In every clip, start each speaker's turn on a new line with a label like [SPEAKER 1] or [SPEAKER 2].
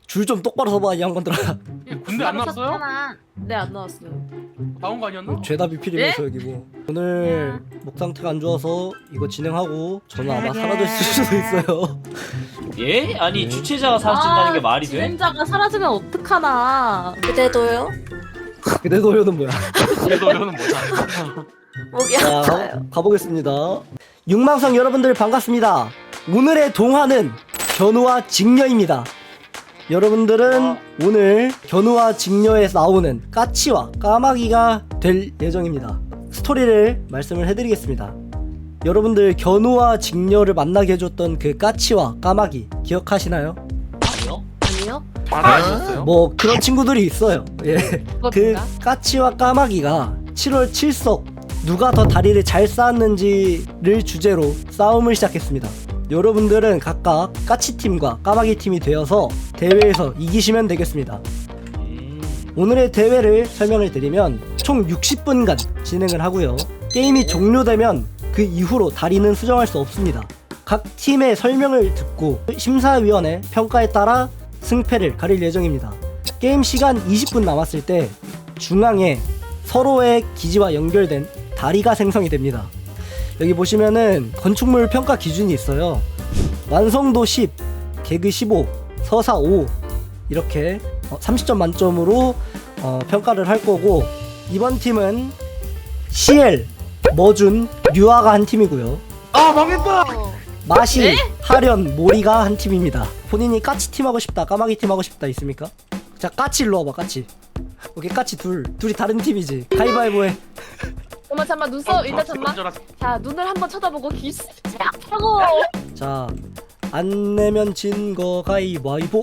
[SPEAKER 1] 줄 좀 똑바로 서봐 이 양반들아.
[SPEAKER 2] 군대 안 나왔어요?
[SPEAKER 3] 네, 안 나왔어요.
[SPEAKER 2] 나온 거 아니었나?
[SPEAKER 1] 죄다 비필이면서 여기 뭐. 오늘 목 상태가 안 좋아서 이거 진행하고 저는 아마 사라질 수도 있어요.
[SPEAKER 4] 예? 아니
[SPEAKER 1] 네.
[SPEAKER 4] 주최자가 사라진다는 게 말이 돼?
[SPEAKER 3] 진행자가 사라지면 어떡하나.
[SPEAKER 5] 그대도요?
[SPEAKER 1] 내 노래는 뭐야?
[SPEAKER 2] 내 노래는 뭐야?
[SPEAKER 5] 목이
[SPEAKER 1] 자,
[SPEAKER 5] 아파요.
[SPEAKER 1] 가보겠습니다. 육망성 여러분들 반갑습니다. 오늘의 동화는 견우와 직녀입니다. 여러분들은 오늘 견우와 직녀에 나오는 까치와 까마귀가 될 예정입니다. 스토리를 말씀을 해드리겠습니다. 여러분들 견우와 직녀를 만나게 해줬던 그 까치와 까마귀 기억하시나요?
[SPEAKER 4] 아니요?
[SPEAKER 3] 아니요?
[SPEAKER 2] 말하셨어요?
[SPEAKER 1] 뭐 그런 친구들이 있어요. 예. 그
[SPEAKER 3] 그겁니까?
[SPEAKER 1] 까치와 까마귀가 7월 7석 누가 더 다리를 잘 쌓았는지를 주제로 싸움을 시작했습니다. 여러분들은 각각 까치팀과 까마귀팀이 되어서 대회에서 이기시면 되겠습니다. 오늘의 대회를 설명을 드리면 총 60분간 진행을 하고요. 게임이 종료되면 그 이후로 다리는 수정할 수 없습니다. 각 팀의 설명을 듣고 심사위원의 평가에 따라 승패를 가릴 예정입니다. 게임 시간 20분 남았을 때 중앙에 서로의 기지와 연결된 다리가 생성이 됩니다. 여기 보시면은 건축물 평가 기준이 있어요. 완성도 10, 개그 15, 서사 5 이렇게 30점 만점으로 평가를 할 거고, 이번 팀은 CL, 머준, 류아가 한 팀이고요.
[SPEAKER 2] 아 망했다!
[SPEAKER 1] 마시, 하련, 모리가 한 팀입니다. 본인이 까치 팀 하고 싶다, 까마귀 팀 하고 싶다 있습니까? 자, 까치 일로 와봐, 까치. 오케이, 까치 둘이 다른 팀이지. 가위바위보 해.
[SPEAKER 3] 잠깐만 눈썹 일단 잠만. 자, 눈을 한번 쳐다보고 기스 하고.
[SPEAKER 1] 자, 안 내면 진 거 가위바위보.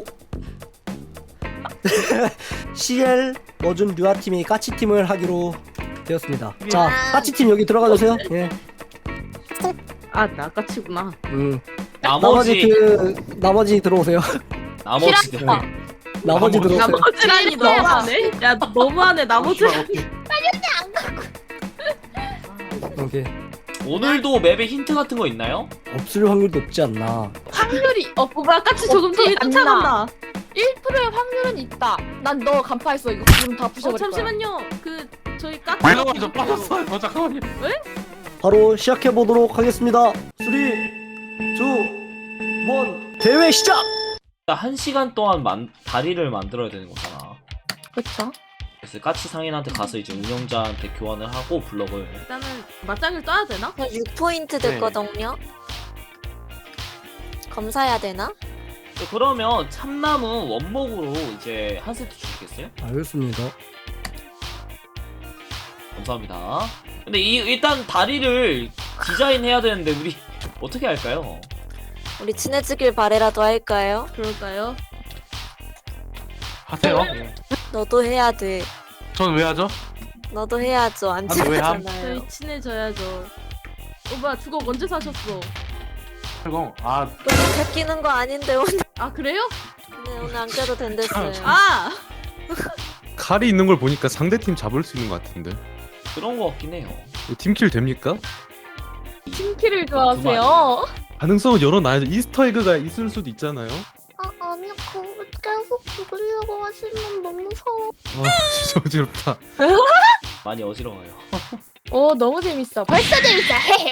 [SPEAKER 1] CL, 머준, 류아 팀이 까치 팀을 하기로 되었습니다. 자, 까치 팀 여기 들어가 주세요. 예.
[SPEAKER 3] 아, 나 까치구나.
[SPEAKER 4] 나머지
[SPEAKER 1] 나머지 들어오세요.
[SPEAKER 4] 나머지들
[SPEAKER 3] 싫어.
[SPEAKER 1] 나머지 들어오세요.
[SPEAKER 3] 나머지라니 너무하네. 야, 너무하네. 나머지.
[SPEAKER 1] 오케이.
[SPEAKER 4] 오늘도 맵에 힌트 같은 거 있나요?
[SPEAKER 1] 없을 확률도 높지 않나.
[SPEAKER 3] 확률이 뭐야? 까치 조금 더
[SPEAKER 6] 없지
[SPEAKER 3] 쫓아간다.
[SPEAKER 6] 1%의 확률은 있다. 난 너 간파했어. 이거 지금 다 부셔버릴 거야.
[SPEAKER 3] 잠시만요. 저희 까치.
[SPEAKER 2] 잠깐만 저 빠졌어요. 잠깐만요.
[SPEAKER 1] 바로 시작해 보도록 하겠습니다. 3, 2, 1 대회 시작.
[SPEAKER 4] 1시간 동안 다리를 만들어야 되는 거잖아.
[SPEAKER 6] 그쵸?
[SPEAKER 4] 그래서 까치 상인한테 가서 이제 운영자한테 교환을 하고 블럭을.
[SPEAKER 3] 일단은 맞짱을 떠야 되나?
[SPEAKER 5] 6포인트 됐거든요. 검사해야 되나?
[SPEAKER 4] 그러면 참나무 원목으로 이제 한 세트 주시겠어요?
[SPEAKER 1] 알겠습니다.
[SPEAKER 4] 감사합니다. 근데 일단 다리를 디자인해야 되는데 우리 어떻게 할까요?
[SPEAKER 5] 우리 친해지길 바래라도 할까요?
[SPEAKER 3] 그럴까요?
[SPEAKER 2] 하세요.
[SPEAKER 5] 너도 해야 돼.
[SPEAKER 2] 전 왜 하죠?
[SPEAKER 5] 너도 해야죠. 안
[SPEAKER 2] 아, 왜 함?
[SPEAKER 5] 친하잖아요.
[SPEAKER 3] 저희 친해져야죠. 뭐야, 주걱 언제 사셨어?
[SPEAKER 2] 설공. 아
[SPEAKER 5] 너무 뺏기는 거 아닌데 오늘.
[SPEAKER 3] 아, 그래요?
[SPEAKER 5] 네, 오늘 안 껴도 된댔어요.
[SPEAKER 3] 아!
[SPEAKER 7] 칼이 있는 걸 보니까 상대팀 잡을 수 있는 것 같은데.
[SPEAKER 4] 그런 거 같긴 해요.
[SPEAKER 7] 이거 팀킬 됩니까?
[SPEAKER 6] 팀키를 좋아하세요?
[SPEAKER 7] 가능성은 열어놔야죠. 이스터에그가 있을 수도 있잖아요.
[SPEAKER 5] 아니요, 그거 계속 죽으려고 하시면 너무 무서워.
[SPEAKER 7] 아 진짜 어지럽다.
[SPEAKER 4] 많이 어지러워요.
[SPEAKER 6] 오, 너무 재밌어. 벌써 재밌어.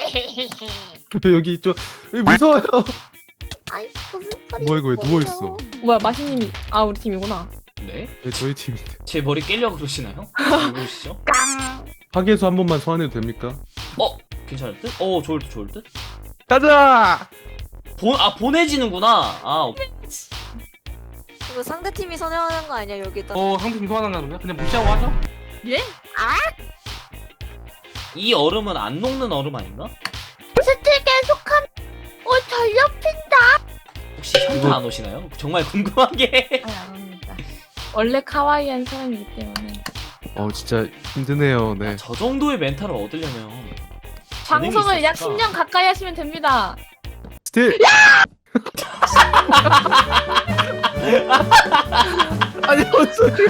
[SPEAKER 7] 여기 여기 무서워요.
[SPEAKER 5] 아이, 무슨 소리?
[SPEAKER 7] 뭐야 이거 왜 누워있어.
[SPEAKER 6] 뭐야, 마시님이. 아, 우리 팀이구나.
[SPEAKER 4] 네?
[SPEAKER 7] 네, 저희 팀인데.
[SPEAKER 4] 제 머리 깨려고 그러시나요? 왜 그러시죠?
[SPEAKER 7] 파괴수 한 번만 소환해도 됩니까?
[SPEAKER 4] 괜찮을 듯? 좋을 듯, 좋을 듯?
[SPEAKER 7] 가자!
[SPEAKER 4] 보내지는구나.
[SPEAKER 5] 이거 상대팀이 선회하는 거 아니야, 여기다.
[SPEAKER 2] 상품 소환한다는 거야? 그냥 무시하고 하죠?
[SPEAKER 3] 예?
[SPEAKER 4] 이 얼음은 안 녹는 얼음 아닌가?
[SPEAKER 6] 스틸 계속함. 전력
[SPEAKER 4] 혹시 현타 안 오시나요? 정말 궁금하게.
[SPEAKER 6] 아니, 안 합니다. 원래 카와이한 사람이기 때문에.
[SPEAKER 7] 진짜 힘드네요. 네.
[SPEAKER 4] 저 정도의 멘탈을 얻으려면
[SPEAKER 6] 방송을 약
[SPEAKER 4] 있었을까?
[SPEAKER 6] 10년 가까이 하시면 됩니다.
[SPEAKER 7] 스틸. 아니 어쩌지?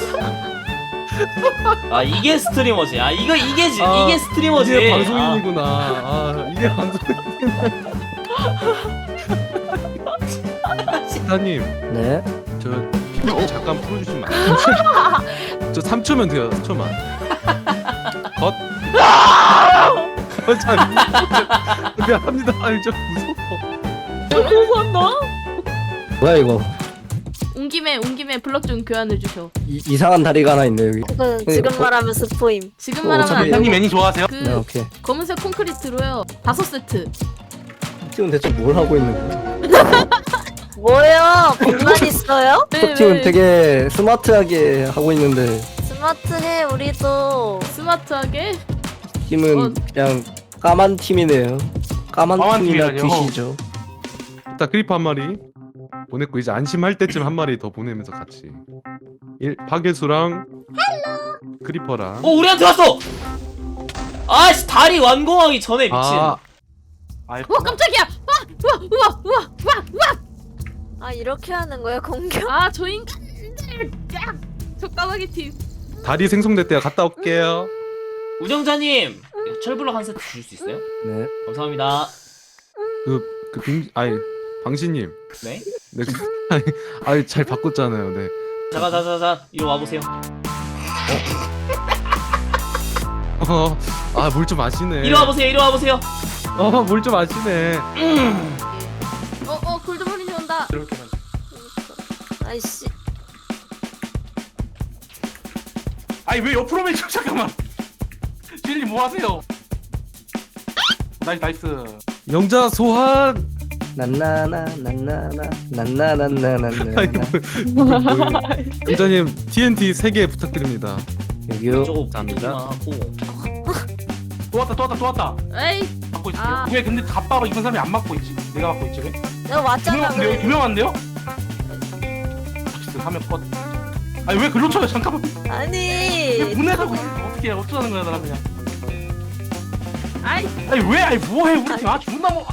[SPEAKER 4] 이게 스트리머지. 이게 스트리머지.
[SPEAKER 7] 이게 방송인이구나. 이게 방송인. 스타님,
[SPEAKER 1] 네.
[SPEAKER 7] 저 잠깐 풀어주시면 안 돼요? 저 3초면 돼요. 3초만. 컷. 참 미안합니다. 아니 저 무서워.
[SPEAKER 1] 뭐야 이거?
[SPEAKER 6] 온 김에 블럭 좀 교환해 주셔.
[SPEAKER 1] 이상한 다리가 하나 있네 여기.
[SPEAKER 5] 이거 지금 말하면 스포임.
[SPEAKER 6] 지금 말하면 안
[SPEAKER 1] 어차피-
[SPEAKER 6] 되고
[SPEAKER 2] 형님 애니 좋아하세요?
[SPEAKER 6] 그
[SPEAKER 1] 네 오케이.
[SPEAKER 6] 검은색 콘크리트로요. 5세트.
[SPEAKER 1] 팀은 대체 뭘 하고 있는 거야?
[SPEAKER 5] 뭐예요? 공간 있어요?
[SPEAKER 1] 팀은 되게 스마트하게 하고 있는데
[SPEAKER 5] 스마트해 우리도.
[SPEAKER 6] 스마트하게.
[SPEAKER 1] 팀은 그냥 까만 팀이네요. 까만
[SPEAKER 2] 까만
[SPEAKER 1] 팀이나
[SPEAKER 2] 팀이라뇨.
[SPEAKER 1] 귀시죠.
[SPEAKER 7] 일단 크리퍼 한 마리 보냈고 이제 안심할 때쯤 한 마리 더 보내면서 같이 파괴수랑 크리퍼랑
[SPEAKER 4] 우리한테 왔어. 아씨 다리 완공하기 전에 미친.
[SPEAKER 2] 아이고.
[SPEAKER 6] 와 깜짝이야. 우와.
[SPEAKER 5] 아 이렇게 하는 거야 공격?
[SPEAKER 6] 아 저 인간들. 야! 저 까마귀 팀.
[SPEAKER 7] 다리 생성됐대요. 갔다 올게요.
[SPEAKER 4] 우정자님 철블럭 한 세트 주실 수 있어요?
[SPEAKER 1] 네.
[SPEAKER 4] 감사합니다.
[SPEAKER 7] 방신님.
[SPEAKER 4] 네.
[SPEAKER 7] 네. 아니 잘 바꿨잖아요. 네.
[SPEAKER 4] 자자 이리 와보세요.
[SPEAKER 7] 물 좀 아시네.
[SPEAKER 4] 이리 와보세요.
[SPEAKER 7] 물 좀 아시네.
[SPEAKER 6] 골드머니 온다.
[SPEAKER 2] 이렇게 하면.
[SPEAKER 5] 아이씨.
[SPEAKER 2] 아니 왜 옆으로 매죠? 잠깐만. жил리 뭐 하세요? 나이스.
[SPEAKER 7] 영자 소환.
[SPEAKER 1] 난나나 난나나나나나나나나.
[SPEAKER 7] 영자님 TNT 3개 부탁드립니다.
[SPEAKER 1] 여기요.
[SPEAKER 4] 저거
[SPEAKER 7] 감사합니다.
[SPEAKER 4] 하고
[SPEAKER 2] 또 왔다.
[SPEAKER 6] 에이.
[SPEAKER 2] 막고 있을게요.
[SPEAKER 6] 아.
[SPEAKER 2] 왜 근데 갑바로 이번 사람이 안 막고 있지? 내가 막고 있지 왜?
[SPEAKER 5] 내가 왔잖아. 그래.
[SPEAKER 2] 유명한데요? 하면 컷. 아니 왜 글로 쳐요? 잠깐만.
[SPEAKER 5] 아니.
[SPEAKER 2] 보내라고 어떻게 어쩌자는 거야 나랑 그냥.
[SPEAKER 6] 아이.
[SPEAKER 2] 아니 왜? 아니 뭐해 우리 팀? 아 존나 뭐.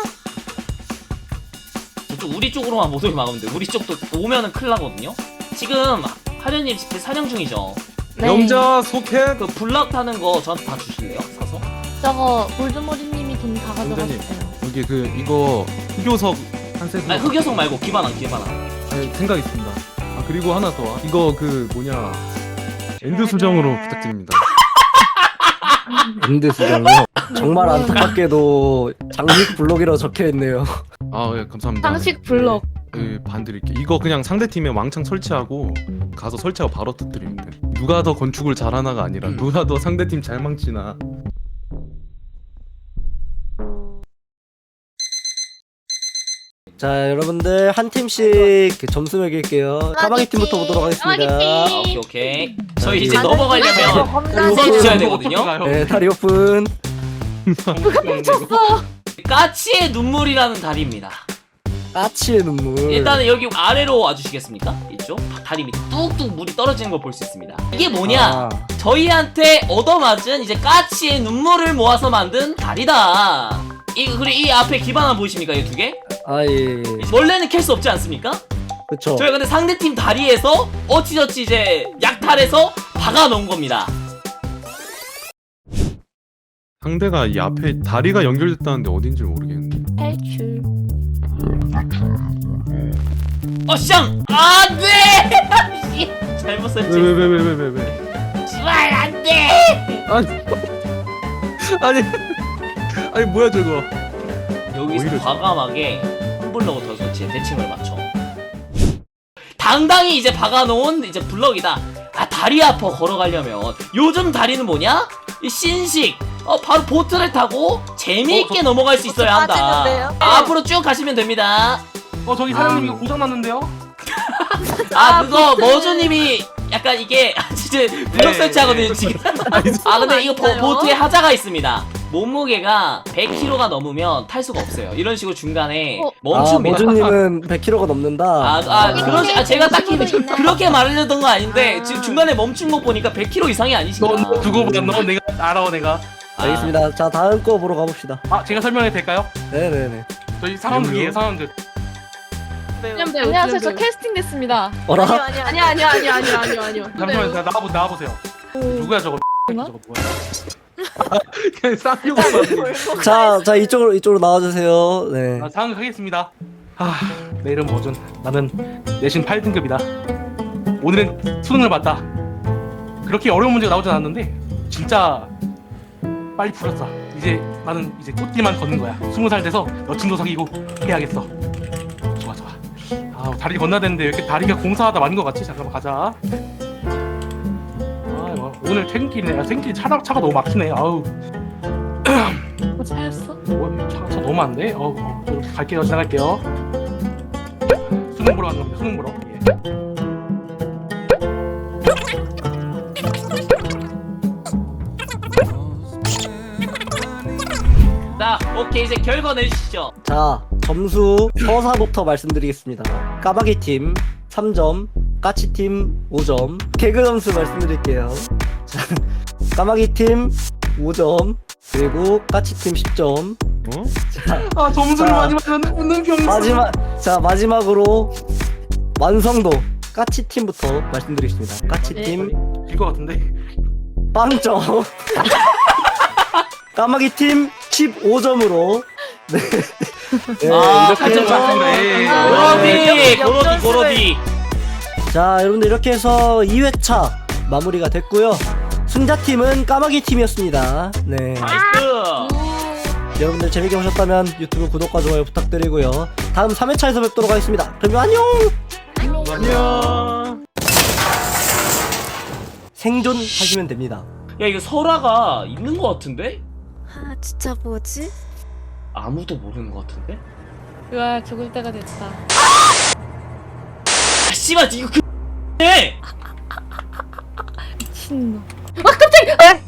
[SPEAKER 4] 저쪽 우리 쪽으로만 못 오게 막으면 돼. 우리 쪽도 오면은 큰일 나거든요. 지금 하련님 집에 사냥 중이죠.
[SPEAKER 6] 네.
[SPEAKER 7] 영자 소켓.
[SPEAKER 4] 그 블럭 타는 거 저한테 다 주실래요? 사서?
[SPEAKER 6] 저거 골드머리님이 돈 다
[SPEAKER 7] 원장님.
[SPEAKER 6] 가져가셨어요.
[SPEAKER 7] 여기 이거 흑요석 한 세트.
[SPEAKER 4] 아니 흑여석 말고 기반한.
[SPEAKER 7] 생각 있습니다. 그리고 하나 더. 이거 엔드 수정으로 부탁드립니다.
[SPEAKER 1] 엔드 수정이요. 정말 안타깝게도 장식 블록이라고 적혀 있네요.
[SPEAKER 7] 예, 감사합니다.
[SPEAKER 6] 상식 블럭.
[SPEAKER 7] 반 드릴게요. 이거 그냥 상대 팀에 왕창 설치하고 가서 설치하고 바로 터뜨리면 돼. 누가 더 건축을 잘하나가 아니라 누가 더 상대 팀 잘 망치나.
[SPEAKER 1] 자 여러분들 한 팀씩 점수 매길게요. 까마귀 팀부터 보도록 하겠습니다.
[SPEAKER 4] 오케이. 저희 이제
[SPEAKER 1] 다들
[SPEAKER 4] 넘어가려면 웃어주셔야 되거든요.
[SPEAKER 1] 네 다리 오픈.
[SPEAKER 4] 까치의 눈물이라는 다리입니다.
[SPEAKER 1] 까치의 눈물.
[SPEAKER 4] 일단은 여기 아래로 와주시겠습니까? 이쪽 다리 밑에 뚝뚝 물이 떨어지는 걸 볼 수 있습니다. 이게 뭐냐?
[SPEAKER 1] 아,
[SPEAKER 4] 저희한테 얻어맞은 이제 까치의 눈물을 모아서 만든 다리다. 그리고 이 앞에 기반 하나 보이십니까? 이 두 개?
[SPEAKER 1] 예.
[SPEAKER 4] 원래는 캘 수 없지 않습니까?
[SPEAKER 1] 그쵸.
[SPEAKER 4] 저희가 근데 상대팀 다리에서 어찌저찌 이제 약탈해서 박아놓은 겁니다.
[SPEAKER 7] 상대가 이 앞에 다리가 연결됐다는데 어딘지 모르겠는데.
[SPEAKER 6] 탈출.
[SPEAKER 4] 쌍! 안 돼! 잘못 썼지.
[SPEAKER 7] 왜?
[SPEAKER 4] 씨발 안 돼!
[SPEAKER 7] 아니 뭐야 저거.
[SPEAKER 4] 여기서
[SPEAKER 7] 오히려
[SPEAKER 4] 과감하게 홈블럭을 더 설치해 대칭을 맞춰. 당당히 이제 박아놓은 이제 블럭이다. 다리 아파 걸어가려면 요즘 다리는 뭐냐? 이 신식. 바로 보트를 타고 재미있게 넘어갈 수 있어야 한다.
[SPEAKER 5] 빠지는데요?
[SPEAKER 4] 앞으로 쭉 가시면 됩니다.
[SPEAKER 2] 저기 사장님 이거 고장 났는데요?
[SPEAKER 4] 그거 머주님이 약간 이게 진짜 블럭 설치하거든요 지금. 근데 이거 보트에 하자가 있습니다. 몸무게가 100kg가 넘으면 탈 수가 없어요. 이런 식으로 중간에 멈춥니다.
[SPEAKER 1] 모주님은 100kg가 넘는다.
[SPEAKER 4] 제가 딱히 그렇게 말하려던 거 아닌데 지금 중간에 멈춘 거 보니까 100kg 이상이 아니신가?
[SPEAKER 2] 너 두고 봐. 너 내가 알아 내가.
[SPEAKER 1] 알겠습니다. 자 다음 거 보러 가봅시다.
[SPEAKER 2] 제가 설명해도 될까요?
[SPEAKER 1] 네네네.
[SPEAKER 2] 저희 상황극이에요 상황극.
[SPEAKER 6] 안녕하세요. 저 캐스팅 됐습니다.
[SPEAKER 1] 어라?
[SPEAKER 5] 아니요.
[SPEAKER 6] 아니요.
[SPEAKER 2] 잠시만요. 나와보세요. 누구야 저거?
[SPEAKER 6] 뭐야?
[SPEAKER 2] 저거 뭐야?
[SPEAKER 7] 그냥 쌍욕.
[SPEAKER 1] 자 이쪽으로 나와주세요. 네.
[SPEAKER 2] 상황극 하겠습니다. 내 이름 머준. 나는 내신 8등급이다. 오늘은 수능을 봤다. 그렇게 어려운 문제가 나오진 않았는데 진짜 빨리 풀었어. 이제 나는 이제 꽃길만 걷는 거야. 20살 돼서 여친도 사귀고 해야겠어. 좋아 좋아. 다리 건너야 되는데 왜 이렇게 다리가 공사하다 마는 것 같지? 잠깐만 가자. 오늘 퇴근길이네. 퇴근길 차가 너무 막히네. 아우.
[SPEAKER 3] 차였어?
[SPEAKER 2] 차가 너무 많네. 갈게요. 지나갈게요. 수능 보러 가는 겁니다. 수능 보러. 예.
[SPEAKER 4] 자, 오케이 이제 결과 내주시죠.
[SPEAKER 1] 자, 점수 서사부터 말씀드리겠습니다. 까마귀팀 3점, 까치팀 5점. 개그 점수 말씀드릴게요. 자, 까마귀팀 5점, 그리고 까치팀 10점.
[SPEAKER 2] 점수를
[SPEAKER 1] 자,
[SPEAKER 2] 많이 맞았는데 웃는 병.
[SPEAKER 1] 마지막으로 완성도 까치팀부터 말씀드리겠습니다. 까치팀
[SPEAKER 2] 길것 같은데.
[SPEAKER 1] 빵점. 까마귀팀 15점으로. 네. 네, 이렇게
[SPEAKER 4] 팔점
[SPEAKER 1] 해서
[SPEAKER 4] 고로디.
[SPEAKER 1] 자, 여러분들 이렇게 해서 2회차 마무리가 됐고요. 승자팀은 까마귀팀이었습니다. 네.
[SPEAKER 4] 나이스.
[SPEAKER 1] 여러분들 재밌게 보셨다면 유튜브 구독과 좋아요 부탁드리고요. 다음 3회차에서 뵙도록 하겠습니다. 그럼 안녕!
[SPEAKER 2] 안녕.
[SPEAKER 1] 생존하시면 됩니다.
[SPEAKER 4] 야 이거 설화가 있는 것 같은데?
[SPEAKER 5] 아 진짜 뭐지?
[SPEAKER 4] 아무도 모르는 것 같은데?
[SPEAKER 3] 으아 죽을 때가 됐다.
[SPEAKER 4] 아 씨발 이거 그 해!
[SPEAKER 3] 미친놈. 아 깜짝이야.